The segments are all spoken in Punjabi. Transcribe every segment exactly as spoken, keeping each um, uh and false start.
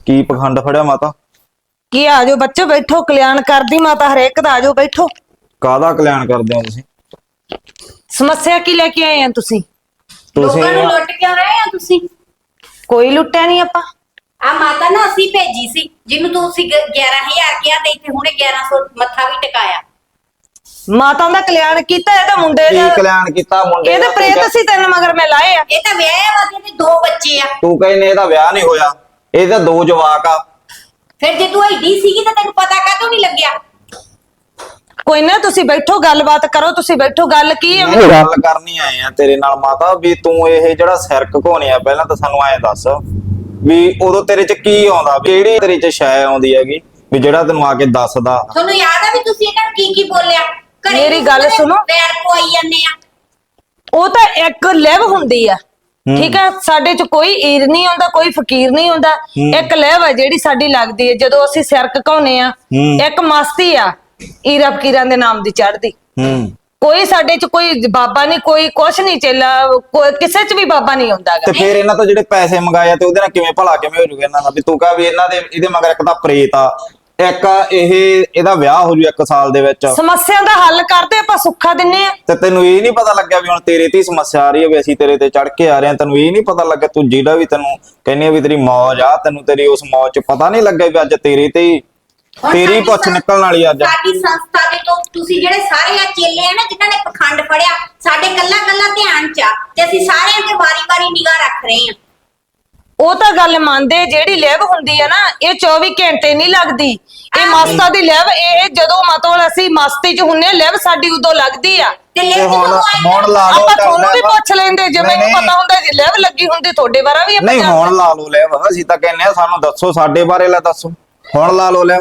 ਕੀ ਪਖੰਡ ਫੜਿਆ ਮਾਤਾ? ਕੀ ਆ ਜਾਓ ਬੱਚੋ, ਬੈਠੋ। ਕਲਿਆਣ ਕਰਦੀ ਮਾਤਾ ਹਰੇਕ ਦਾ। ਆ ਜਾਓ ਬੈਠੋ। ਕਾਹਦਾ ਕਲਿਆਣ ਕਰਦੇ ਹੋ ਤੁਸੀਂ? ਸਮੱਸਿਆ ਕੀ ਲੈ ਕੇ ਆਏ ਆ ਤੁਸੀਂ? ਤੁਸੀਂ ਲੋਕਾਂ ਨੂੰ ਲੁੱਟ ਕਿਉਂ ਰਹੇ ਆ ਤੁਸੀਂ? ਕੋਈ ਲੁੱਟਿਆ ਨਹੀਂ ਆਪਾਂ। ਆ ਮਾਤਾ ਨਾ ਅਸੀਂ ਭੇਜੀ ਸੀ, ਜਿਹਨੂੰ ਤੁਸੀਂ ਗਿਆਰਾਂ ਹਜ਼ਾਰ ਕਿਹਾ ਤੇ ਇੱਥੇ ਹੁਣੇ ਗਿਆਰਾਂ ਸੌ ਮੱਥਾ ਵੀ ਟਿਕਾਇਆ। ਮਾਤਾ ਦਾ ਕਲਿਆਣ ਕੀਤਾ, ਇਹਦਾ ਮੁੰਡੇ ਕੀ ਦਾ ਕਲਿਆਣ ਕੀਤਾ? ਮੁੰਡੇ ਇਹਦੇ ਦਾ ਪ੍ਰੇਤ ਸੀ ਤਿੰਨ ਮਗਰ ਮੈਂ ਲਾਏ ਆ। ਇਹ ਤਾਂ ਵਿਆਹਿਆ ਵਾ ਤੇ ਦੋ ਬੱਚੇ ਆ। ਤੂੰ ਕਹਿੰਦੇ ਇਹਦਾ ਵਿਆਹ ਨਹੀਂ ਹੋਇਆ, ਇਹਦਾ ਦੋ ਜਵਾਕ ਆ। ਫਿਰ ਜੇ ਤੂੰ ਐਡੀ ਸੀਗੀ ਤਾਂ ਤੈਨੂੰ ਪਤਾ ਕਾਹਤੋਂ ਨਹੀਂ ਲੱਗਿਆ? ਕੋਈ ਨਾ, ਤੁਸੀਂ ਬੈਠੋ, ਗੱਲਬਾਤ ਕਰੋ। ਤੁਸੀਂ ਬੈਠੋ, ਗੱਲ ਕੀ ਹੈ? ਮੈਂ ਗੱਲ ਕਰਨੀ ਆਏ ਆ ਤੇਰੇ ਨਾਲ ਮਾਤਾ, ਵੀ ਤੂੰ ਇਹ ਜਿਹੜਾ ਸਿਰ ਘਕੋਣੇ ਆ, ਪਹਿਲਾਂ ਤਾਂ ਸਾਨੂੰ ਐਂ ਦੱਸ ਵੀ ਉਦੋਂ ਤੇਰੇ ਚ ਕੀ ਆਉਂਦਾ, ਕਿਹੜੀ ਤੇਰੇ ਚ ਸ਼ੈ ਆਉਂਦੀ ਹੈਗੀ ਵੀ ਜਿਹੜਾ ਤੈਨੂੰ ਆ ਕੇ ਦੱਸਦਾ? ਤੁਹਾਨੂੰ ਯਾਦ ਆ ਵੀ ਤੁਸੀਂ ਇਹਨਾਂ ਨੂੰ ਕੀ ਕੀ ਬੋਲਿਆ? ਘਰੇ ਮੇਰੀ ਗੱਲ ਸੁਣੋ। ਪੈਰ ਪਵਾਈ ਜਾਂਦੇ ਆ। ਉਹ ਤਾਂ ਇੱਕ ਲੈਵ ਹੁੰਦੀ ਆ, ਠੀਕ ਹੈ। ਸਾਡੇ ਚ ਕੋਈ ਈਰ ਨਹੀਂ ਹੁੰਦਾ, ਕੋਈ ਫਕੀਰ ਨਹੀਂ ਹੁੰਦਾ। ਇੱਕ ਲੈਵ ਹੈ ਜਿਹੜੀ ਸਾਡੀ ਲੱਗਦੀ ਹੈ ਜਦੋਂ ਅਸੀਂ ਸਿਰ ਘਕਾਉਨੇ ਆ। ਇੱਕ ਮਸਤੀ ਆ ਈਰਾ ਫਕੀਰਾਂ ਦੇ ਨਾਮ ਦੀ ਚੜ੍ਹਦੀ। ਹੂੰ। ਕੋਈ ਸਾਡੇ ਚ ਕੋਈ ਬਾਬਾ ਨਹੀਂ, ਕੋਈ ਕੁਛ ਨਹੀਂ ਚੇਲਾ, ਕੋਈ ਕਿਸੇ ਚ ਵੀ ਬਾਬਾ ਨਹੀਂ ਹੁੰਦਾ ਤੇ ਫਿਰ ਇਹਨਾਂ ਤੋਂ ਜਿਹੜੇ ਪੈਸੇ ਮੰਗਾਏ ਆ ਤੇ ਉਹਦੇ ਨਾਲ ਕਿਵੇਂ ਭਲਾ ਕਿਵੇਂ ਹੋ ਜੂਗਾ ਇਹਨਾਂ ਦਾ? ਵੀ ਤੂੰ ਕਹ ਵੀ ਇਹਨਾਂ ਦੇ ਇਹਦੇ ਮਗਰ ਇੱਕ ਤਾਂ ਪ੍ਰੇਤ ਆ, ਇੱਕ ਇਹ ਇਹਦਾ ਵਿਆਹ ਹੋ ਜੂ ਇੱਕ ਸਾਲ ਦੇ ਵਿੱਚ। ਸਮੱਸਿਆ ਦਾ ਹੱਲ ਕਰਦੇ ਆਪਾਂ, ਸੁੱਖਾ ਦਿੰਨੇ ਆ। ਤੇ ਤੈਨੂੰ ਇਹ ਨਹੀਂ ਪਤਾ ਲੱਗਿਆ ਵੀ ਹੁਣ ਤੇਰੇ ਤੇ ਹੀ ਸਮੱਸਿਆ ਆ ਰਹੀ ਹੈ, ਵੀ ਅਸੀਂ ਤੇਰੇ ਤੇ ਚੜ ਕੇ ਆ ਰਹੇ ਹਾਂ? ਤੈਨੂੰ ਇਹ ਨਹੀਂ ਪਤਾ ਲੱਗਿਆ? ਤੂੰ ਜਿਹੜਾ ਵੀ ਤੈਨੂੰ ਕਹਿੰਦੀ ਆ ਵੀ ਤੇਰੀ ਮੌਜ ਆ, ਤੈਨੂੰ ਤੇਰੀ ਉਸ ਮੌਜ ਚ ਪਤਾ ਨਹੀਂ ਲੱਗਿਆ ਵੀ ਅੱਜ ਤੇਰੇ ਤੇ ਹੀ ਹੁਣ ਤੇਰੀ ਸਾਡੀ ਪੁੱਛ ਸੰਸ- ਨਿਕਲਣ ਵਾਲੀ ਅੱਜ। ਸਾਡੀ ਸੰਸਥਾ ਦੇ ਤੋਂ ਤੁਸੀਂ ਜਿਹੜੇ ਸਾਰੇ ਆ ਚੇਲੇ ਆ ਨਾ ਜਿਨ੍ਹਾਂ ਨੇ ਪਖੰਡ ਫੜਿਆ, ਸਾਡੇ ਕੱਲਾ ਕੱਲਾ ਧਿਆਨ ਚ ਆ ਤੇ ਅਸੀਂ ਸਾਰਿਆਂ ਤੇ ਵਾਰੀ-ਵਾਰੀ ਨਿਗਾਹ ਰੱਖ ਰਹੇ ਆ। ਉਹ ਤਾਂ ਗੱਲ ਮੰਨਦੇ, ਜਿਹੜੀ ਲੈਵ ਹੁੰਦੀ ਆ ਨਾ ਇਹ ਚੌਵੀ ਘੰਟੇ ਨਹੀਂ ਲੱਗਦੀ। ਇਹ ਮਸਤਾ ਦੀ ਲੈਵ, ਇਹ ਜਦੋਂ ਮਤਲਬ ਅਸੀਂ ਮਸਤੀ ਚ ਹੁੰਨੇ, ਲੈਵ ਸਾਡੀ ਉਦੋਂ ਲੱਗਦੀ ਆ। ਤੇ ਤੇ ਲੈ ਹੁਣ ਹੁਣ ਲਾ ਲਓ ਆਪਾਂ ਕਰ ਤੁਹਾਨੂੰ ਵੀ ਲੈ। ਪੁੱਛ ਲੈਂਦੇ ਜੇ ਮੈਨੂੰ ਨਹੀਂ, ਪਤਾ ਹੁੰਦਾ ਜੇ ਲੈਵ ਲੱਗੀ ਹੁੰਦੀ ਤੁਹਾਡੇ ਬਾਰੇ ਵੀ ਆਪਾਂ ਨਹੀਂ ਜਾਣਦੇ। ਹੁਣ ਲਾ ਲਓ ਲੈ, ਅਸੀਂ ਤਾਂ ਕਹਿੰਦੇ ਆ ਸਾਨੂੰ ਦੱਸੋ ਸਾਡੇ ਬਾਰੇ, ਲੈ ਦੱਸੋ ਹੁਣ ਲਾ ਲਓ ਲੈ।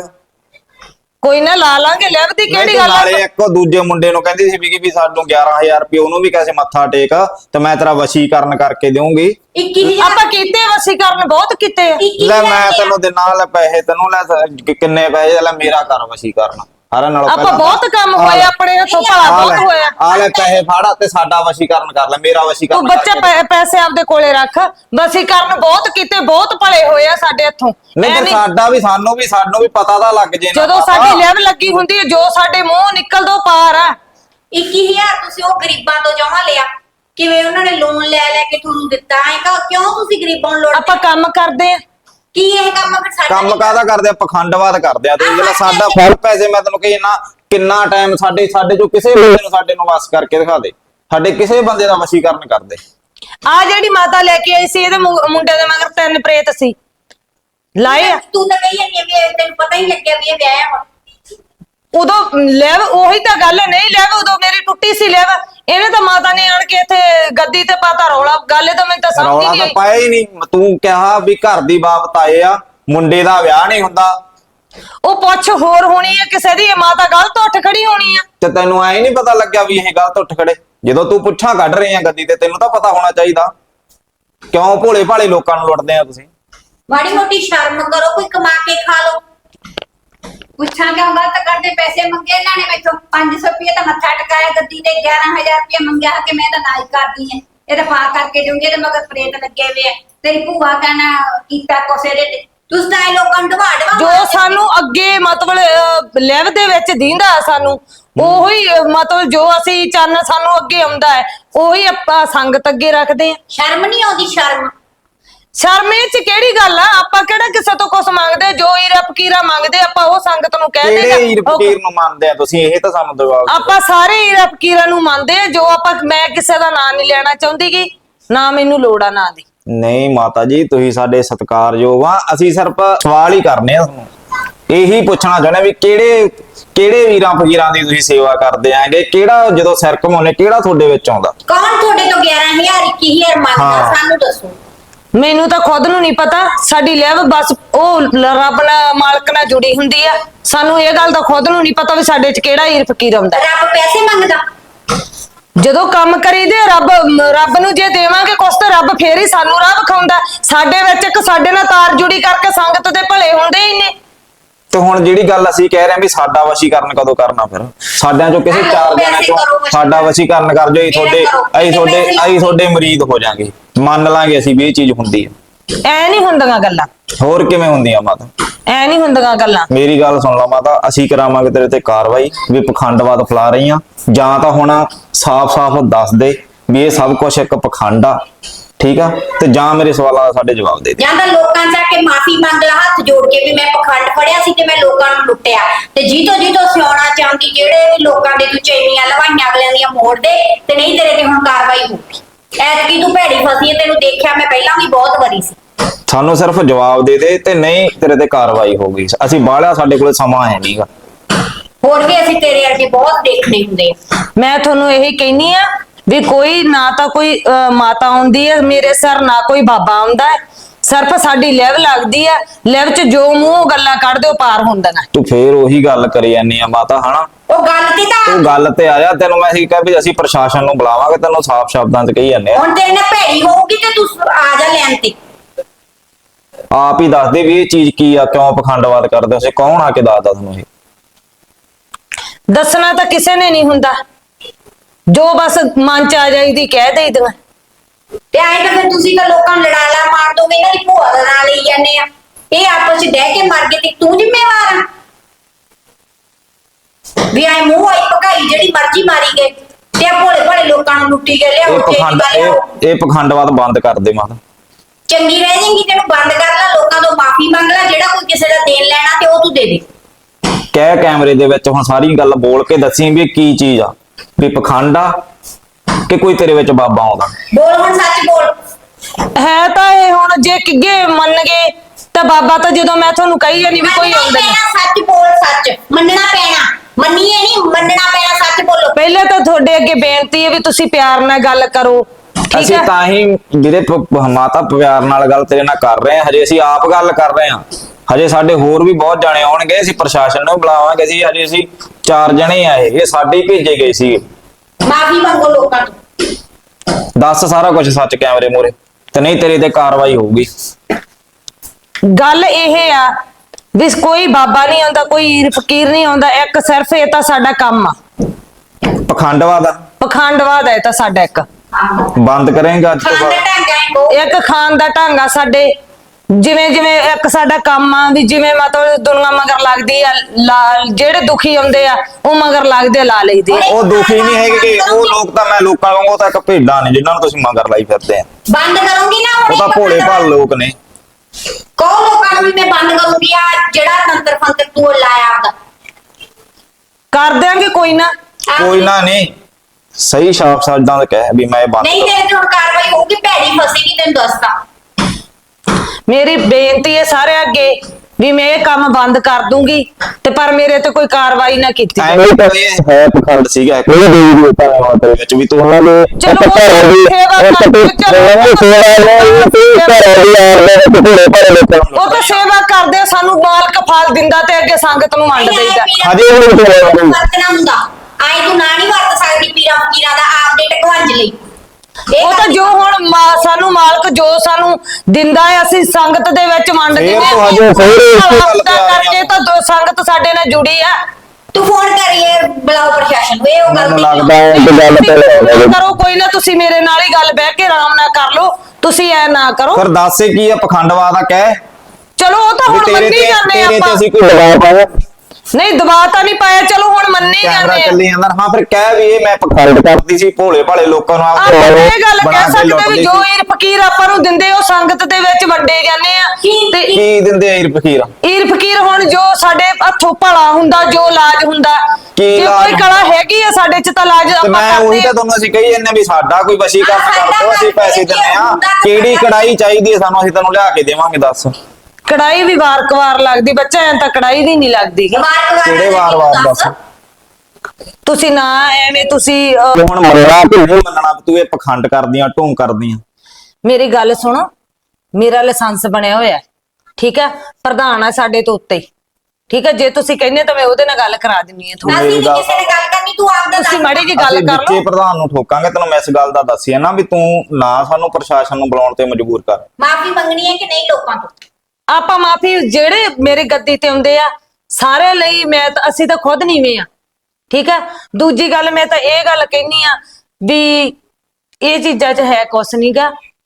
ਕੋਈ ਨਾ ਲਾ ਲਾਂਗੇ, ਲੈਵ ਦੀ ਕਿਹੜੀ ਗੱਲ ਆ? ਨਾਲੇ ਇੱਕ ਦੂਜੇ ਮੁੰਡੇ ਨੂੰ ਕਹਿੰਦੀ ਸੀ ਵੀ ਵੀ ਸਾਨੂੰ ਗਿਆਰਾਂ ਹਜ਼ਾਰ ਰੁਪਏ ਉਹਨੂੰ ਵੀ ਕੈਸੇ ਮੱਥਾ ਟੇਕ ਤੇ ਮੈਂ ਤੇਰਾ ਵਸ਼ੀਕਰਨ ਕਰਕੇ ਦੇਵਾਂਗੀ। ਇੱਕੀ ਹਜ਼ਾਰ ਆਪਾਂ ਕੀਤੇ ਵਸੀਕਰਨ ਬਹੁਤ ਕੀਤੇ ਆ। ਇੱਕੀ ਲੈ ਹਜ਼ਾਰ ਮੈਂ ਦੇ ਆ। ਤੈਨੂੰ ਦੇ ਨਾਲ ਪੈਸੇ ਤੈਨੂੰ ਲੈ ਸ- ਕਿੰਨੇ ਪੈਸੇ ਲੈ ਮੇਰਾ ਕਰ ਵਸ਼ੀਕਰਨ ਸਾਰਿਆਂ ਨਾਲੋਂ ਆਪਾਂ ਪਹਿਲਾਂ ਬਹੁਤ ਕੰਮ ਆ ਲੈ। ਹੋਏ ਆਪਣੇ ਹੱਥੋਂ, ਭਲਾ ਆ ਬਹੁਤ ਲੈ, ਹੋਇਆ। ਆ ਲੈ ਪੈਸੇ ਫਾੜਾ ਤੇ ਸਾਡਾ ਵਸ਼ੀਕਰਨ ਕਰ ਲੈ, ਮੇਰਾ ਤੂੰ ਵਸ਼ੀਕਰਨ ਬੱਚੇ ਕਰਕੇ। ਪੈ- ਪੈਸੇ ਆਪਦੇ ਕੋਲੇ ਰੱਖ। ਵਸੀਕਰਨ ਬਹੁਤ ਕੀਤੇ, ਬਹੁਤ ਭਲੇ ਹੋਏ ਆ ਸਾਡੇ ਹੱਥੋਂ। ਨਹੀਂ ਐ ਤੇ ਨੀ- ਸਾਡਾ ਵੀ ਸਾਨੂੰ ਵੀ ਸਾਨੂੰ ਵੀ ਪਤਾ ਤਾਂ ਲੱਗ ਜੇ ਨਾ ਜਦੋਂ ਪਤਾ। ਸਾਡੀ ਲੈਵ ਲੱਗੀ ਹੁੰਦੀ ਹੈ, ਜੋ ਸਾਡੇ ਮੂੰਹ ਨਿਕਲਦਾ ਉਹ ਪਾਰ ਆ। ਇੱਕੀ ਹਜ਼ਾਰ ਤੁਸੀਂ ਉਹ ਗਰੀਬਾਂ ਤੋਂ ਜਮਾ ਲਿਆ, ਕਿਵੇਂ ਉਹਨਾਂ ਨੇ ਲੋਨ ਲੈ ਲੈ ਕੇ ਤੁਹਾਨੂੰ ਦਿੱਤਾ? ਐ ਕਹੋ ਕਿਉਂ ਤੁਸੀਂ ਗਰੀਬਾਂ ਨੂੰ ਲੋੜ? ਆਪਾਂ ਕੰਮ ਕਰਦੇ ਆ। ਕੀ ਇਹ ਕੰਮ ਫਿਰ ਸਾਡਾ ਕੰਮ ਨਹੀਂ? ਕਾਹਦਾ ਕਰਦੇ ਆ? ਪਖੰਡਵਾਦ ਕਰਦੇ ਆ ਤੇ ਜਿਹੜਾ ਸਾਡਾ ਫੁੱਲ ਪੈਸੇ, ਮੈਂ ਤੈਨੂੰ ਕਹੀ ਨਾ ਕਿੰਨਾ ਟਾਈਮ ਸਾਡੇ ਸਾਡੇ ਚੋਂ ਕਿਸੇ ਬੰਦੇ ਨੂੰ ਸਾਡੇ ਨੂੰ ਵਸ ਕਰਕੇ ਦਿਖਾ ਦੇ, ਸਾਡੇ ਕਿਸੇ ਬੰਦੇ ਦਾ ਵਸ਼ੀਕਰਨ ਕਰਦੇ। ਆ ਜਿਹੜੀ ਮਾਤਾ ਲੈ ਕੇ ਆਈ ਸੀ, ਇਹਦੇ ਮੁੰ- ਮੁੰਡੇ ਦੇ ਮਗਰ ਤਿੰਨ ਪ੍ਰੇਤ ਸੀ ਲਾਏ ਆ। ਤੂੰ ਤਾਂ ਕਹੀ ਜਾਂਦੀ ਆ ਵੀ ਇਹ ਤੈਨੂੰ ਪਤਾ ਹੀ ਲੱਗਿਆ ਵੀ ਇਹ ਵਿਆਹਿਆ ਵਾ। ਉਦੋਂ ਲੈਵ ਉਹੀ ਤਾਂ ਗੱਲ ਹੈ, ਨਹੀਂ ਲੈਵ ਉਦੋਂ ਮੇਰੀ ਟੁੱਟੀ ਸੀ ਲੈਵ। ਇਹਨੇ ਤਾਂ ਮਾਤਾ ਨੇ ਆਣ ਕੇ ਇੱਥੇ ਗੱਦੀ ਤੇ ਪਾਤਾ ਰੌਲਾ। ਗੱਲ ਇਹ ਤਾਂ ਮੈਨੂੰ ਤਾਂ ਸਮਝ ਹੀ ਰੌਲਾ ਨਹੀਂ ਤਾਂ ਆਈ। ਪਾਇਆ ਹੀ ਨਹੀਂ। ਤੂੰ ਕਿਹਾ ਵੀ ਘਰ ਦੀ ਬਾਬਤ ਆਏ ਆ, ਮੁੰਡੇ ਦਾ ਵਿਆਹ ਨਹੀਂ ਹੁੰਦਾ। ਉਹ ਪੁੱਛ ਹੋਰ ਹੋਣੀ ਹੈ ਕਿਸੇ ਦੀ, ਇਹ ਮਾਤਾ ਗਲਤ ਉੱਠ ਖੜੀ ਹੋਣੀ ਆ। ਤੇ ਤੈਨੂੰ ਐ ਨਹੀਂ ਪਤਾ ਲੱਗਿਆ ਵੀ ਇਹ ਗਲਤ ਉੱਠ ਖੜੇ? ਜਦੋਂ ਤੂੰ ਪੁੱਛਾਂ ਕੱਢ ਰਹੇ ਆ ਗੱਦੀ ਤੇ, ਤੈਨੂੰ ਤਾਂ ਪਤਾ ਹੋਣਾ ਚਾਹੀਦਾ। ਕਿਉਂ ਭੋਲੇ ਭਾਲੇ ਲੋਕਾਂ ਨੂੰ ਲੁੱਟਦੇ ਆ ਤੁਸੀਂ? ਮਾੜੀ ਮੋਟੀ ਸ਼ਰਮ ਕਰੋ, ਕੋਈ ਕਮਾ ਕੇ ਖਾ ਲਓ। ਪੁੱਛਾਂ ਕਿਉਂ ਗਲਤ ਕਰਦੇ? ਪੈਸੇ ਮੰਗੇ ਇਹਨਾਂ ਨੇ ਮੈਥੋਂ ਪੰਜ ਸੌ ਰੁਪਏ ਤਾਂ ਮੱਥਾ ਟਕਾਇਆ ਗੱਦੀ ਤੇ, ਗਿਆਰਾਂ ਹਜ਼ਾਰ ਰੁਪਏ ਮੰਗਿਆ ਕਿ ਮੈਂ ਤਾਂ ਨਾ ਹੀ ਕਰਦੀ ਐ। ਇਹ ਤਾਂ ਪਾ ਕਰਕੇ ਦੂੰਗੇ ਤੇ ਮਗਰ ਪ੍ਰੇਤ ਲੱਗੇ ਹੋਏ ਆ। ਤੇਰੀ ਭੂਆ ਕਹਿਣਾ ਕੀਤਾ ਕੋਸੇ ਦੇ ਤੇ ਤੁਸੀਂ ਤਾਂ ਇਹ ਲੋਕਾਂ ਨੂੰ ਢਵਾ ਢਵਾ ਜੋ ਸਾਨੂੰ ਅੱਗੇ ਮਤਲਬ ਲੈਵ ਦੇ ਵਿੱਚ ਦੀਂਦਾ ਸਾਨੂੰ, ਉਹੀ ਅਹ, ਮਤਲਬ ਜੋ ਅਸੀਂ ਚੰਨ ਸਾਨੂੰ ਅੱਗੇ ਆਉਂਦਾ ਹੈ ਉਹੀ ਆਪਾਂ ਸੰਗਤ ਅੱਗੇ ਰੱਖਦੇ ਆ। ਸ਼ਰਮ ਨਹੀਂ ਆਉਂਦੀ? ਸ਼ਰਮ ਸ਼ਰਮ ਇਹ ਚ ਕਿਹੜੀ ਗੱਲ ਆ? ਆਪਾਂ ਕਿਹੜਾ ਕਿਸੇ ਤੋਂ ਕੁਝ ਮੰਗਦੇ? ਜੋ ਈਰਾ ਫਕੀਰਾ ਮੰਗਦੇ ਆਪਾਂ ਉਹ ਸੰਗਤ ਨੂੰ ਕਹਿ ਕਿਹੜੇ ਹੀਰ ਦੇਗਾ। ਫਕੀਰ ਨੂੰ ਮੰਨਦੇ ਆ ਤੁਸੀਂ? ਇਹ ਤਾਂ ਸਾਨੂੰ ਜਵਾਬ ਦਿਓ। ਆਪਾਂ ਸਾਰੇ ਈਰਾ ਫਕੀਰਾਂ ਨੂੰ ਮੰਨਦੇ ਆ। ਜੋ ਆਪਾਂ, ਮੈਂ ਕਿਸੇ ਦਾ ਨਾਂ ਨਹੀਂ ਲੈਣਾ ਚਾਹੁੰਦੀ ਗੀ, ਨਾ ਮੈਨੂੰ ਲੋੜ ਆ ਨਾਂ ਦੀ। ਨਹੀਂ ਮਾਤਾ ਜੀ, ਤੁਸੀਂ ਸਾਡੇ ਸਤਿਕਾਰਯੋਗ ਆ। ਅਸੀਂ ਸਿਰਫ ਸਵਾਲ ਹੀ ਕਰਨੇ ਆ, ਤੁਹਾਨੂੰ ਇਹੀ ਪੁੱਛਣਾ ਚਾਹੁੰਦੇ ਵੀ ਕਿਹੜੇ ਕਿਹੜੇ ਵੀਰਾਂ ਫਕੀਰਾਂ ਦੀ ਤੁਸੀਂ ਸੇਵਾ ਕਰਦੇ ਆਂਗੇ? ਕਿਹੜਾ ਜਦੋਂ ਸਿਰ ਘਮਾਉਨੇ ਕਿਹੜਾ ਤੁਹਾਡੇ ਵਿੱਚ ਆਉਂਦਾ? ਕੌਣ ਤੁਹਾਡੇ ਤੋਂ ਗਿਆਰਾਂ ਹਜ਼ਾਰ ਇੱਕੀ ਹਜ਼ਾਰ ਮੰਗਦਾ? ਹਾਂ। ਸਾਨੂੰ ਦੱਸੋ। ਮੈਨੂੰ ਤਾਂ ਖੁਦ ਨੂੰ ਨਹੀਂ ਪਤਾ। ਸਾਡੀ ਲੈਵ ਬਸ ਉਹ ਰੱਬ ਨਾਲ, ਮਾਲਕ ਨਾਲ ਜੁੜੀ ਹੁੰਦੀ ਆ। ਸਾਨੂੰ ਇਹ ਗੱਲ ਤਾਂ ਖੁਦ ਨੂੰ ਨਹੀਂ ਪਤਾ ਵੀ ਸਾਡੇ ਚ ਕਿਹੜਾ ਹੀਰ ਫਕੀਰ ਆਉਂਦਾ। ਰੱਬ ਪੈਸੇ ਮੰਗਦਾ? ਜਦੋਂ ਕੰਮ ਕਰੀਦੇ ਰੱਬ ਰੱਬ ਨੂੰ ਜੇ ਦੇਵਾਂਗੇ ਕੁਛ ਤਾਂ ਰੱਬ ਫੇਰ ਹੀ ਸਾਨੂੰ ਰਾਹ ਵਿਖਾਉਂਦਾ। ਸਾਡੇ ਵਿੱਚ ਇੱਕ ਸਾਡੇ ਨਾਲ ਤਾਰ ਜੁੜੀ ਕਰਕੇ ਸੰਗਤ ਦੇ ਭਲੇ ਹੁੰਦੇ ਹੀ ਨੇ। ਤੇ ਹੁਣ ਜਿਹੜੀ ਗੱਲ ਅਸੀਂ ਕਹਿ ਰਹੇ ਹਾਂ ਵੀ ਸਾਡਾ ਵਸ਼ੀਕਰਨ ਕਦੋਂ ਕਰਨਾ? ਫਿਰ ਸਾਡਿਆਂ ਚੋਂ ਕਿਸੇ ਚਾਰ ਜਣਿਆਂ ਚੋਂ ਸਾਡਾ ਵਸ਼ੀਕਰਨ ਕਰ ਜੋ, ਅਸੀਂ ਤੁਹਾਡੇ ਅਸੀਂ ਤੁਹਾਡੇ ਅਸੀਂ ਤੁਹਾਡੇ ਮਰੀਦ ਹੋ ਜਾਾਂਗੇ, ਮੰਨ ਲਾਂਗੇ ਅਸੀਂ ਵੀ ਇਹ ਚੀਜ਼ ਹੁੰਦੀ ਹੈ। ਐ ਨਹੀਂ ਹੁੰਦੀਆਂ ਗੱਲਾਂ, ਹੋਰ ਕਿਵੇਂ ਹੁੰਦੀਆਂ ਮਾਤਾ? ਐ ਨਹੀਂ ਹੁੰਦੀਆਂ ਗੱਲਾਂ। ਮੇਰੀ ਗੱਲ ਸੁਣ ਲਾ ਮਾਤਾ, ਅਸੀਂ ਕਰਾਵਾਂਗੇ ਤੇਰੇ ਤੇ ਕਾਰਵਾਈ ਵੀ ਪਖੰਡਵਾਦ ਫੈਲਾ ਰਹੀ ਆ, ਜਾਂ ਤਾਂ ਹੁਣ ਸਾਫ਼-ਸਾਫ਼ ਦੱਸ ਦੇ ਵੀ ਇਹ ਸਭ ਕੁਝ ਇੱਕ ਪਖੰਡ ਆ, ਠੀਕ ਆ, ਤੇ ਜਾਂ ਮੇਰੇ ਸਵਾਲਾਂ ਦਾ ਸਾਡੇ ਜਵਾਬ ਦੇ ਦੇ। ਜਾਂ ਤਾਂ ਲੋਕਾਂ ਜਾ ਕੇ ਮਾਫੀ ਮੰਗ ਲਾ ਹੱਥ ਜੋੜ ਕੇ ਵੀ ਮੈਂ ਪਖੰਡ ਫੜਿਆ ਸੀ ਤੇ ਮੈਂ ਲੋਕਾਂ ਨੂੰ ਲੁੱਟਿਆ, ਤੇ ਜੀਤੋ ਜੀਤੋ ਸਿਆਉਣਾ ਚਾਹੁੰਦੀ ਜਿਹੜੇ ਵੀ ਲੋਕਾਂ ਦੇ ਤੂੰ ਚੈਨੀਆਂ ਲਵਾਈਆਂ ਅਗਲਿਆਂ ਦੀਆਂ ਮੋੜ ਦੇ, ਤੇ ਨਹੀਂ ਤੇਰੇ ਤੇ ਹੁਣ ਕਾਰਵਾਈ ਹੋਊਗੀ। ਐਤਕੀ ਤੂੰ ਭੈੜੀ ਫਸੀ ਹੈ, ਤੈਨੂੰ ਦੇਖਿਆ ਮੈਂ ਪਹਿਲਾਂ ਵੀ ਬਹੁਤ ਵਾਰੀ ਸੀ। ਸਾਨੂੰ ਸਿਰਫ ਜਵਾਬ ਦੇ ਦੇ, ਤੇ ਨਹੀਂ ਤੇਰੇ ਤੇ ਕਾਰਵਾਈ ਹੋਊਗੀ। ਅਸੀਂ ਬਾਹਲਾ, ਸਾਡੇ ਕੋਲ ਸਮਾਂ ਹੈ ਨਹੀਂਗਾ। ਹੋਰ ਵੀ ਅਸੀਂ ਤੇਰੇ ਵਰਗੇ ਬਹੁਤ ਦੇਖਣੇ ਹੁੰਦੇ ਆ। ਮੈਂ ਤੁਹਾਨੂੰ ਇਹੀ ਕਹਿਨੀ ਆ ਵੀ ਕੋਈ ਨਾ ਤਾਂ ਕੋਈ ਅਹ, ਮਾਤਾ ਆਉਂਦੀ ਹੈ ਮੇਰੇ ਸਿਰ, ਨਾ ਕੋਈ ਬਾਬਾ ਆਉਂਦਾ ਹੈ। ਸਿਰਫ ਸਾਡੀ ਲਿਵ ਲੱਗਦੀ ਆ, ਲਿਵ ਚ ਜੋ ਮੂੰਹ ਗੱਲਾਂ ਕੱਢ ਦਿਓ ਪਾਰ ਹੁੰਦੀਆਂ। ਤੂੰ ਫੇਰ ਉਹੀ ਗੱਲ ਕਰੀ ਜਾਂਦੀ ਆ ਮਾਤਾ, ਹਨਾ? ਉਹ ਗੱਲ ਤੇ ਤਾਂ ਤੂੰ ਗੱਲ ਤੇ ਆ ਜਾ, ਤੈਨੂੰ ਮੈਂ ਇਹੀ ਕਿਹਾ ਵੀ ਅਸੀਂ ਪ੍ਰਸ਼ਾਸਨ ਨੂੰ ਬੁਲਾਵਾਂਗੇ, ਤੈਨੂੰ ਸਾਫ਼ ਸ਼ਬਦਾਂ 'ਚ ਕਹੀ ਜਾਂਦੇ ਆ। ਹੁਣ ਤੇਰੇ ਨਾਲ ਭੈੜੀ ਹੋਊਗੀ ਤੇ ਤੂੰ ਆ ਜਾ ਲੈਣ ਤੇ। ਆਪ ਹੀ ਦੱਸ ਦੇ ਵੀ ਇਹ ਚੀਜ਼ ਕੀ ਆ, ਕਿਉਂ ਪਖੰਡਵਾਦ ਕਰਦੇ ਹੋ? ਅਸੀਂ ਕੌਣ ਆ ਕੇ ਦੱਸਦਾ ਤੁਹਾਨੂੰ ਇਹ? ਦੱਸਣਾ ਤਾਂ ਕਿਸੇ ਨੇ ਨਹੀਂ ਹੁੰਦਾ, ਜੋ ਬਸ ਮਨ ਚ ਆ ਜਾਈਦੀ ਕਹਿ ਦੇਈਦੀਆਂ। ਤੇ ਆਏ ਤਾਂ ਫਿਰ ਤੁਸੀਂ ਤਾਂ ਲੋਕਾਂ ਨੂੰ ਲੜਾਲਾ ਮਾਰ ਦੋਗੇ, ਇਹਨਾਂ ਦੀ ਭੂਆ ਦਾ ਨਾਂ ਲਈ ਜਾਂਦੇ ਆ। ਇਹ ਆਪਸ ਚ ਡਹਿ ਕੇ ਮਰ ਗਏ ਤੇ ਤੂੰ ਜ਼ਿੰਮੇਵਾਰ ਆ ਵੀ ਆਏ ਮੂੰਹ ਆਈ ਭਕਾਈ ਜਿਹੜੀ ਮਰਜ਼ੀ ਮਾਰੀ ਗਏ, ਤੇ ਆ ਭੋਲੇ ਭਾਲੇ ਲੋਕਾਂ ਨੂੰ ਲੁੱਟੀ ਗਏ। ਲਿਆਓ ਇਹ ਪਖੰਡ ਚੇਨੀ ਵਾਲਿਓ, ਇਹ ਇਹ ਪਖੰਡਵਾਦ ਬੰਦ ਕਰ ਦੇ ਮਾਤਾ। ਚੰਗੀ ਰਹਿ ਜਾਏਗੀ ਤੈਨੂੰ ਬੰਦ ਕਰ ਲੈ, ਲੋਕਾਂ ਤੋਂ ਮਾਫੀ ਮੰਗ ਲੈ, ਜਿਹੜਾ ਕੋਈ ਕਿਸੇ ਦਾ ਦੇਣ ਲੈਣਾ ਤੇ ਉਹ ਤੂੰ ਦੇ ਦੇ। ਕਹਿ ਕੈਮਰੇ ਦੇ ਵਿੱਚ ਹੁਣ ਸਾਰੀ ਗੱਲ ਬੋਲ ਕੇ ਦੱਸੀ ਵੀ ਇਹ ਕੀ ਚੀਜ਼ ਆ, ਵੀ ਪਖੰਡ ਆ ਕਿ ਕੋਈ ਤੇਰੇ ਵਿੱਚ ਬਾਬਾ ਆਉਂਦਾ? ਬੋਲ ਹੁਣ ਸੱਚ ਬੋਲ। ਹੈ ਤਾਂ ਇਹ ਹੁਣ ਜੇ ਕਿੱਗੇ ਮੰਨ ਗਏ ਤਾਂ ਬਾਬਾ ਤਾਂ ਜਦੋਂ ਮੈਂ ਤੁਹਾਨੂੰ ਕਹੀ ਜਾਨੀ ਵੀ ਕੋਈ ਮੰਨਣਾ ਆਉਂਦਾ ਨਹੀਂ। ਪੈਣਾ, ਸੱਚ ਬੋਲ, ਸੱਚ ਮੰਨਣਾ ਪੈਣਾ, ਮੰਨੀਏ ਨਹੀਂ ਮੰਨਣਾ ਪੈਣਾ, ਸੱਚ ਬੋਲੋ। ਪਹਿਲੇ ਤਾਂ ਤੁਹਾਡੇ ਅੱਗੇ ਬੇਨਤੀ ਹੈ ਵੀ ਤੁਸੀਂ ਪਿਆਰ ਨਾਲ ਗੱਲ ਕਰੋ, ਠੀਕ ਅਸੀਂ ਹੈ? ਤਾਂ ਹੀ ਜਿਹੜੇ ਪ- ਮਾਤਾ ਪਿਆਰ ਨਾਲ ਗੱਲ ਤੇਰੇ ਨਾਲ ਕਰ ਰਹੇ ਆ, ਹਜੇ ਅਸੀਂ ਆਪ ਗੱਲ ਕਰ ਰਹੇ ਆ। ਹਜੇ ਸਾਡੇ ਹੋਰ ਵੀ ਬਹੁਤ ਜਾਣੇ ਆਉਣਗੇ, ਅਸੀਂ ਪ੍ਰਸ਼ਾਸਨ ਨੂੰ ਬੁਲਾਵਾਂਗੇ। ਅਸੀਂ ਹਜੇ ਅਸੀਂ ਚਾਰ ਜਣੇ ਆਏ, ਇਹ ਸਾਡੇ ਹੀ ਭੇਜੇ ਗਏ ਸੀ। ਮਾਫੀ ਮੰਗੋ ਲੋਕਾਂ ਤੋਂ। ਦੱਸ ਸਾਰਾ ਕੁਝ ਸੱਚ ਕੈਮਰੇ ਮੂਹਰੇ, ਤੇ ਨਹੀਂ ਤੇਰੇ ਤੇ ਕਾਰਵਾਈ ਹੋਊਗੀ। ਗੱਲ ਇਹ ਆ ਵੀ ਕੋਈ ਬਾਬਾ ਨਹੀਂ ਆਉਂਦਾ, ਕੋਈ ਈਰ ਫਕੀਰ ਨਹੀਂ ਆਉਂਦਾ, ਇੱਕ ਸਿਰਫ ਇਹ ਤਾਂ ਸਾਡਾ ਕੰਮ ਆ, ਪਖੰਡਵਾਦ ਆ, ਪਖੰਡਵਾਦ ਹੈ ਇਹ ਤਾਂ ਸਾਡਾ ਇੱਕ। ਬੰਦ ਕਰੇਂਗਾ ਅੱਜ ਤੋਂ ਖਾਣ ਦਾ ਬਾਅਦ? ਢੰਗ ਹੈ ਕੋ ਇੱਕ ਖਾਨ ਦਾ ਢੰਗ ਆ ਸਾਡੇ, ਜਿਵੇਂ ਜਿਵੇਂ ਇੱਕ ਸਾਡਾ ਕੰਮ ਆ ਵੀ ਜਿਵੇਂ ਮਤਲਬ ਦੁਨੀਆ ਮਗਰ ਲੱਗਦੀ ਆ, ਲਾ- ਜਿਹੜੇ ਦੁਖੀ ਆਉਂਦੇ ਆ ਉਹ ਮਗਰ ਲੱਗਦੇ ਲਾ ਲਈਦੇ ਆ। ਉਹ ਦੁਖੀ ਨਹੀਂ ਹੈਗੇ ਕਿ ਉਹ ਲੋਕ ਤਾਂ ਮੈਂ ਲੋਕਾਂ ਵਾਂਗੂ, ਉਹ ਤਾਂ ਇੱਕ ਭੇਡਾਂ ਨੇ ਜਿਨ੍ਹਾਂ ਨੂੰ ਤੁਸੀਂ ਮਗਰ ਲਾਈ ਫਿਰਦੇ ਆ। ਬੰਦ ਕਰੂੰਗੀ ਨਾ ਹੁਣ। ਉਹ ਤਾਂ ਭੋਲੇ ਭਾਲ ਲੋਕ ਨੇ। ਕਹੋ ਲੋਕਾਂ ਨੂੰ ਵੀ ਮੈਂ ਬੰਦ ਕਰੂੰਗੀ ਆ ਜਿਹੜਾ ਤੰਤਰ ਫੰਤਰ ਤੂੰ ਲਾਇਆ ਆਪਦਾ। ਕਰ ਦਿਆਂਗੇ ਕੋਈ ਨਾ। ਕੋਈ ਨਾ, ਨਹੀਂ ਸਹੀ ਸ਼ਾਪ ਸ਼ਬਦਾਂ ਦਾ ਕਹਿ ਵੀ ਮੈਂ ਇਹ ਬੰਦ ਨਹੀਂ ਤੇਰੇ ਤੇ ਹੁਣ ਕਾਰਵਾਈ ਹੋਊਗੀ, ਭੈੜੀ ਫਸੇਗੀ ਤੈਨੂੰ ਦੱਸਦਾ। ਮੇਰੀ ਬੇਨਤੀ ਹੈ ਸਾਰਿਆਂ ਅੱਗੇ ਵੀ ਮੈਂ ਇਹ ਕੰਮ ਬੰਦ ਕਰ ਦੂੰਗੀ, ਤੇ ਪਰ ਮੇਰੇ ਤੇ ਕੋਈ ਕਾਰਵਾਈ ਨਾ ਕੀਤੀ ਜਾਵੇ। ਐਵੇਂ ਤਾਂ ਇਹ ਹੈ ਪਖੰਡ ਸੀਗਾ ਕੋਈ ਦੇ ਦਿੱਤਾ ਦੇ ਵਿੱਚ ਵੀ ਤੂੰ ਉਹਨਾਂ ਦੇ ਚਲੋ ਉਹ ਸੇਵਾ ਕਰਦੇ, ਚਲੋ ਉਹ ਤਾਂ ਸੇਵਾ ਕਰਦੇ ਆ, ਸਾਨੂੰ ਮਾਲਕ ਫਲ ਦਿੰਦਾ ਤੇ ਅੱਗੇ ਸੰਗਤ ਨੂੰ ਵੰਡ ਦੇਈਦਾ। ਹਜੇ ਵੀ ਨਹੀਂ ਵਰਤਣਾ ਹੁੰਦਾ, ਆਏ ਤੂੰ ਨਾ ਨਹੀਂ ਵਰਤ ਸਕਦੀ ਪੀਰਾਂ ਫਕੀਰਾਂ ਦਾ ਆਪਦੇ ਟਕਵੰਜ ਲਈ। ਇਹ ਉਹ ਤਾਂ ਜੋ ਹੁਣ ਮਾ- ਸਾਨੂੰ ਮਾਲਕ ਜੋ ਸਾਨੂੰ ਦਿੰਦਾ ਹੈ ਅਸੀਂ ਸੰਗਤ ਦੇ ਵਿੱਚ ਵੰਡ ਫੇਰ ਦਿੰਦੇ ਤੋਂ ਹਜੇ ਫੇਰ ਇਸੇ ਗੱਲ ਤੇ ਆ ਕਰਕੇ ਤਾਂ ਦੋ ਸੰਗਤ ਸਾਡੇ ਨਾਲ ਜੁੜੀ ਆ। ਤੂੰ ਫੋਨ ਕਰੀਏ, ਬੁਲਾਓ ਪ੍ਰਸ਼ਾਸਨ ਨੂੰ। ਇਹ ਉਹ ਗੱਲ ਮੈਨੂੰ ਨਹੀਂ ਲੱਗਦਾ ਹੈ ਕਿ ਗੱਲ ਤੁਸੀਂ ਤੇ ਕਰੋ ਕੋਈ ਨਾ, ਤੁਸੀਂ ਮੇਰੇ ਨਾਲ ਹੀ ਗੱਲ ਬਹਿ ਕੇ ਆਰਾਮ ਨਾਲ ਕਰ ਲਓ, ਤੁਸੀਂ ਐ ਨਾ ਕਰੋ। ਫਿਰ ਦੱਸ ਕੀ ਆ ਪਖੰਡਵਾਦ ਆ? ਕਹਿ ਚਲੋ ਉਹ ਤਾਂ ਵੀ ਹੁਣ ਤੇਰੇ ਮੰਨੀ ਤੇ ਜਾਂਦੇ ਤੇਰੇ ਤੇ ਆਪਾਂ। ਅਸੀਂ ਕੋਈ ਦਬਾਅ ਪਾਇਆ? ਨਹੀਂ ਦਬਾਅ ਤਾਂ ਨਹੀਂ ਪਾਇਆ, ਚਲੋ ਹੁਣ ਮੰਨੀ ਕੈਮਰਾ ਜਾਂਦੇ ਆ। ਚੱਲੀ ਜਾਂਦਾ। ਹਾਂ ਫਿਰ ਕਹਿ ਵੀ ਇਹ ਮੈਂ ਪਖੰਡ ਕਰਦੀ ਸੀ, ਭੋਲੇ ਭਾਲੇ ਲੋਕਾਂ ਨੂੰ ਆਪਾਂ ਆਪਦੇ ਇਹ ਗੱਲ ਬਣਾ ਕਹਿ ਕੇ ਸਕਦੇ ਲੁੱਟਦੀ ਵੀ ਜੋ ਸੀ। ਈਰ ਫਕੀਰ ਆਪਾਂ ਨੂੰ ਦਿੰਦੇ ਉਹ ਸੰਗਤ ਦੇ ਵਿੱਚ ਵੰਡੇ ਜਾਂਦੇ ਆ। ਤੇ ਕੀ ਦਿੰਦੇ ਆ ਈਰ ਫਕੀਰ? ਈਰ ਫਕੀਰ ਹੁਣ ਜੋ ਸਾਡੇ ਹੱਥੋਂ ਭਲਾ ਹੁੰਦਾ, ਜੋ ਲਾਜ ਹੁੰਦਾ, ਕੀ ਜੇ ਲਾਜ ਕੋਈ ਕਲਾ ਹੈਗੀ ਆ ਸਾਡੇ ਚ ਤਾਂ ਲਾਜ ਤੇ ਆਪਾਂ ਮੈਂ ਉਹੀ ਕਰਦੇ ਤਾਂ ਤੁਹਾਨੂੰ ਅਸੀਂ ਕਹੀ ਜੰਨੇ ਵੀ ਸਾਡਾ ਕੋਈ ਵਸ਼ੀਕਰਨ ਆਹ ਕਰ ਦਿਓ, ਅਸੀਂ ਪੈਸੇ ਦਿੰਨੇ ਆ। ਕਿਹੜੀ ਕੜਾਈ ਚਾਹੀਦੀ ਹੈ ਸਾਨੂੰ, ਅਸੀਂ ਤੈਨੂੰ ਲਿਆ ਕੇ ਦੇਵਾਂਗੇ। ਦੱਸ ਕੜਾਈ ਵੀ ਵਾਰ-ਕਵਾਰ ਲੱਗਦੀ, ਬੱਚਾ ਐਂ ਤਾਂ ਕੜਾਈ ਵੀ ਨਹੀਂ ਲੱਗਦੀ। ਕਿਹੜੇ ਵਾਰ-ਵਾਰ ਦੱਸ? ਤੁਸੀਂ ਨਾ ਐਵੇਂ ਤੁਸੀਂ ਅਹ, ਤੇ ਹੁਣ ਮੰਨਣਾ ਕਿ ਨਹੀਂ ਮੰਨਣਾ ਤੂੰ ਇਹ ਪਖੰਡ ਕਰਦੀਆਂ, ਢੋਂਗ ਕਰਦੀਆਂ? ਮੇਰੀ ਗੱਲ ਸੁਣੋ, ਮੇਰਾ ਲਾਇਸੈਂਸ ਬਣਿਆ ਹੋਇਆ ਹੈ, ਠੀਕ ਹੈ? ਪ੍ਰਧਾਨ ਆ ਸਾਡੇ ਤੋਂ ਉੱਤੇ, ਠੀਕ ਹੈ? ਜੇ ਤੁਸੀਂ ਕਹਿੰਦੇ ਤਾਂ ਮੈਂ ਉਹਦੇ ਨਾਲ ਗੱਲ ਕਰਾ ਦਿੰਨੀ ਆ ਤੁਹਾਨੂੰ। ਅਸੀਂ ਨੀ ਕਿਸੇ ਨੇ ਗੱਲ ਕਰਨੀ, ਤੂੰ ਆਪਦਾ ਤੁਸੀਂ ਦੱਸ। ਮਾੜੀ ਜੀ ਗੱਲ ਅਸੀਂ ਕਰ ਵਿੱਚੇ ਲਓ। ਪ੍ਰਧਾਨ ਨੂੰ ਠੋਕਾਂਗੇ। ਤੈਨੂੰ ਮੈਂ ਇਸ ਗੱਲ ਦਾ ਦੱਸਿਆ ਨਾ ਵੀ ਤੂੰ ਨਾ ਸਾਨੂੰ ਪ੍ਰਸ਼ਾਸਨ ਨੂੰ ਬੁਲਾਉਣ ਤੇ ਮਜਬੂਰ ਕਰ। ਮਾਫੀ ਮੰਗਣੀ ਹੈ ਕਿ ਨਹੀਂ ਲੋਕਾਂ ਤੋਂ? ਆਪਾਂ ਮਾਫੀ ਜਿਹੜੇ ਮੇਰੇ ਗੱਦੀ ਤੇ ਹੁੰਦੇ ਆ ਸਾਰੇ ਲਈ, ਮੈਂ ਤਾਂ ਅਸੀਂ ਤਾਂ ਖੁਦ ਨੀਵੇਂ ਆ, ਠੀਕ ਹੈ? ਦੂਜੀ ਗੱਲ ਮੈਂ ਤਾਂ ਇਹ ਗੱਲ ਕਹਿਨੀ ਆ ਵੀ ਇਹ ਚੀਜ਼ਾਂ 'ਚ ਹੈ ਕੁਛ ਨਹੀਂਗਾ,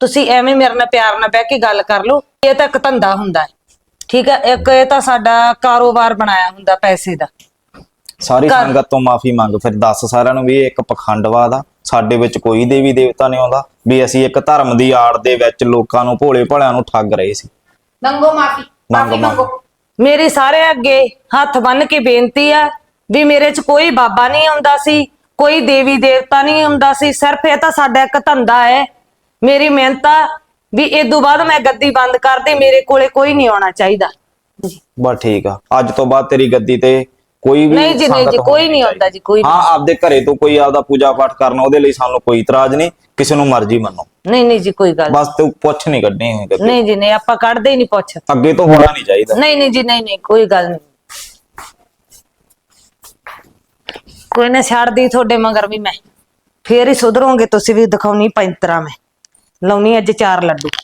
ਤੁਸੀਂ ਐਵੇਂ ਮੇਰੇ ਨਾਲ ਪਿਆਰ ਨਾਲ ਬਹਿ ਕੇ ਗੱਲ ਕਰ ਲਓ। ਇਹ ਤਾਂ ਇੱਕ ਧੰਦਾ ਹੁੰਦਾ ਹੈ, ਠੀਕ ਹੈ, ਇੱਕ ਇਹ ਤਾਂ ਸਾਡਾ ਕਾਰੋਬਾਰ ਬਣਾਇਆ ਹੁੰਦਾ ਪੈਸੇ ਦਾ। ਸਾਰੀ ਕਰ- ਸੰਗਤ ਤੋਂ ਮਾਫੀ ਮੰਗ, ਫਿਰ ਦੱਸ ਸਾਰਿਆਂ ਨੂੰ ਵੀ ਇਹ ਇੱਕ ਪਖੰਡਵਾਦ ਆ। ਸਾਡੇ ਵਿੱਚ ਕੋਈ ਦੇਵੀ ਦੇਵਤਾ ਨਹੀਂ ਆਉਂਦਾ, ਵੀ ਅਸੀਂ ਇੱਕ ਧਰਮ ਦੀ ਆੜ ਦੇ ਵਿੱਚ ਲੋਕਾਂ ਨੂੰ ਭੋਲੇ ਭਾਲਿਆਂ ਨੂੰ ਠੱਗ ਰਹੇ ਸੀ। ਮੰਗੋ ਮਾਫੀ, ਮੰਗ- ਮਾਫੀ ਮੰਗ। ਮੰਗੋ। ਮੇਰੀ ਸਾਰੇ ਅੱਗੇ ਹੱਥ ਬੰਨ ਕੇ ਬੇਨਤੀ ਆ ਵੀ ਮੇਰੇ 'ਚ ਕੋਈ ਬਾਬਾ ਨਹੀਂ ਆਉਂਦਾ ਸੀ, ਕੋਈ ਦੇਵੀ ਦੇਵਤਾ ਨਹੀਂ ਆਉਂਦਾ ਸੀ, ਸਿਰਫ ਇਹ ਤਾਂ ਸਾਡਾ ਇੱਕ ਧੰਦਾ ਹੈ। ਮੇਰੀ ਮਿਹਨਤ ਆ ਵੀ ਇਹ ਤੋਂ ਬਾਅਦ ਮੈਂ ਗੱਦੀ ਬੰਦ ਕਰ ਦੇ, ਮੇਰੇ ਕੋਲੇ ਕੋਈ ਨਹੀਂ ਆਉਣਾ ਚਾਹੀਦਾ। ਬਸ ਠੀਕ ਆ, ਅੱਜ ਤੋਂ ਬਾਅਦ ਤੇਰੀ ਗੱਦੀ ਤੇ ਕੋਈ ਵੀ ਨਹੀਂ ਜੀ, ਨਹੀਂ ਸੰਗਤ ਜੀ, ਕੋਈ ਹੋਣੀ ਨਹੀਂ ਆਉਂਦਾ ਜੀ, ਕੋਈ ਹਾਂ, ਆਪਦੇ ਘਰੇ ਤੋਂ ਕੋਈ ਆਪਦਾ ਪੂਜਾ ਪਾਠ ਕਰਨਾ, ਉਹਦੇ ਲਈ ਸਾਨੂੰ ਕੋਈ ਇਤਰਾਜ਼ ਨਹੀਂ, ਕਿਸੇ ਨੂੰ ਮਰਜ਼ੀ ਮੰਨੋ, ਨਹੀਂ ਨਹੀਂ ਜੀ, ਕੋਈ ਗੱਲ ਬਸ ਤੂੰ ਪੁੱਛ ਨਹੀਂ ਕੱਢਣੀ ਹੈ ਕਦੇ। ਨਹੀਂ ਜੀ, ਨਹੀਂ, ਆਪਾਂ ਕੱਢਦੇ ਹੀ ਨਹੀਂ ਪੁੱਛ। ਅੱਗੇ ਤੋਂ ਹੋਣਾ ਨਹੀਂ ਚਾਹੀਦਾ। ਨਹੀਂ ਨਹੀਂ ਜੀ, ਨਹੀਂ ਨਹੀਂ, ਕੋਈ ਗੱਲ ਨਹੀਂ। ਕੋਈ ਨਾ, ਛੱਡਦੀ ਤੁਹਾਡੇ ਮਗਰ ਵੀ ਮੈਂ, ਫੇਰ ਹੀ ਸੁਧਰੋਗੇ ਤੁਸੀਂ ਵੀ। ਦਿਖਾਉਣੀ ਪੈਂਤਰਾ ਮੈਂ, ਲਾਉਣੀ ਅੱਜ ਚਾਰ ਲੱਡੂ।